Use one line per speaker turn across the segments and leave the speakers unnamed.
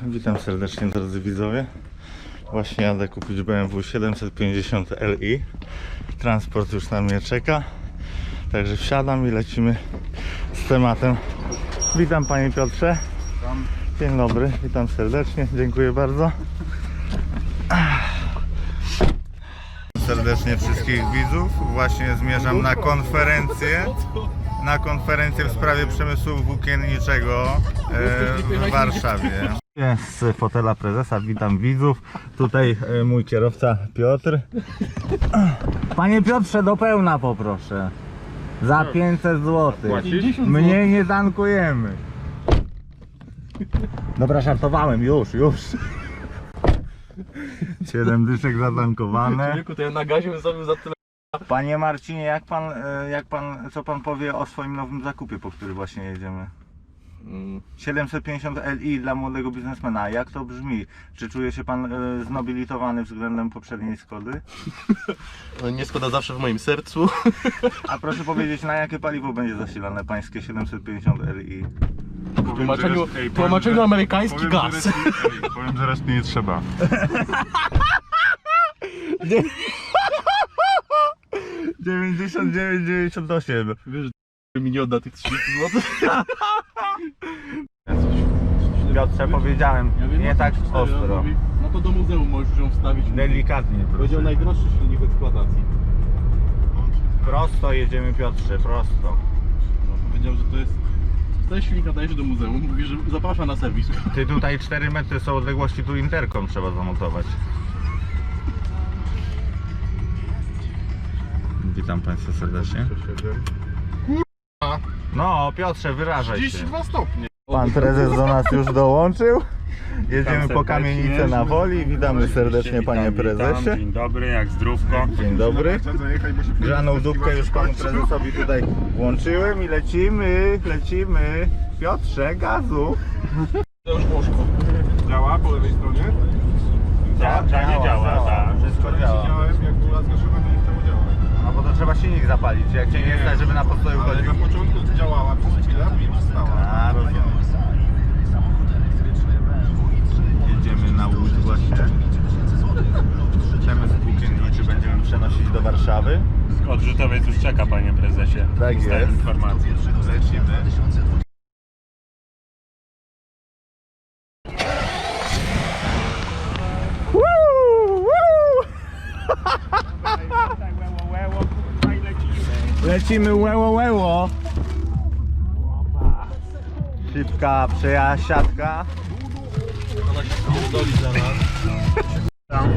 Witam serdecznie, drodzy widzowie. Właśnie jadę kupić BMW 750 Li. Transport już na mnie czeka. Także wsiadam i lecimy z tematem. Witam panie Piotrze. Dzień dobry, witam serdecznie, dziękuję bardzo. Serdecznie wszystkich widzów. Właśnie zmierzam na konferencję. W sprawie przemysłu włókienniczego w Warszawie. Z fotela prezesa witam widzów. Tutaj mój kierowca Piotr. Panie Piotrze, do pełna poproszę. Za 500 zł. Mniej nie tankujemy. Dobra, żartowałem, już. 7 dyszek zatankowane.
Człowieku, to ja na gazie bym zrobił za tyle.
Panie Marcinie, co pan powie o swoim nowym zakupie, po który właśnie jedziemy? 750 Li dla młodego biznesmena. Jak to brzmi? Czy czuje się pan znobilitowany względem poprzedniej Skody?
Nie Skoda zawsze w moim sercu.
A proszę powiedzieć, na jakie paliwo będzie zasilane pańskie 750 Li?
W tłumaczeniu amerykański gaz.
Powiem, że reszty nie trzeba.
Nie. 99,98.
Wiesz, że mi nie odda tych 30 zł.
Piotrze, powiedziałem, nie tak ostro.
No to do muzeum możesz ją wstawić.
Delikatnie.
Powiedział najdroższy silnik w eksploatacji.
Prosto jedziemy, Piotrze, prosto.
No, powiedział, że to jest... Ten silnik nadaje się do muzeum. Mówi, że zaprasza na serwis.
Ty, tutaj 4 metry są odległości, tu interkom trzeba zamontować. Witam Państwa serdecznie. No, Piotrze, wyrażaj się.
32 stopnie.
Pan prezes do nas już dołączył. Jedziemy po kamienicę na Woli. Witamy serdecznie panie prezesie.
Dzień dobry, jak zdrówko.
Dzień dobry. Grzaną dupkę już panu prezesowi tutaj włączyłem i lecimy. Piotrze, gazu.
To już poszło.
Działa po lewej stronie?
Działa,
tak.
Wszystko działa.
Widziałem, jak była zgaszona, to nie chciało działać.
No bo to trzeba silnik zapalić. Jak cię nie stać, żeby na postoju
Ale
chodził.
na początku działała przez chwilę, a później przestała.
A, rozumiem. Jedziemy na Łódź właśnie. Przemysł włókienniczy będziemy przenosić do Warszawy.
Odrzutowiec już czeka, panie prezesie.
Tak
Dostałem
jest.
informację.
Lecimy. Lecimy łeło. Szybka przejasiadka.
Ona się pierdoli za nas.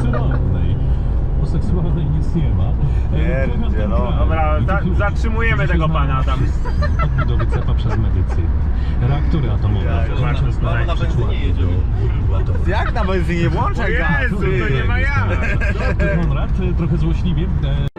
O seksualnej nic nie ma.
Pierdzie, no.
Dobra, zatrzymujemy tego pana tam.
Odbudowy cepa przez medycynę. Reaktory atomowe.
Mamy na benzynie jedziemy.
Jak na benzynie włączaj gaz?
Jezu, to nie ma jak.
Konrad trochę złośliwie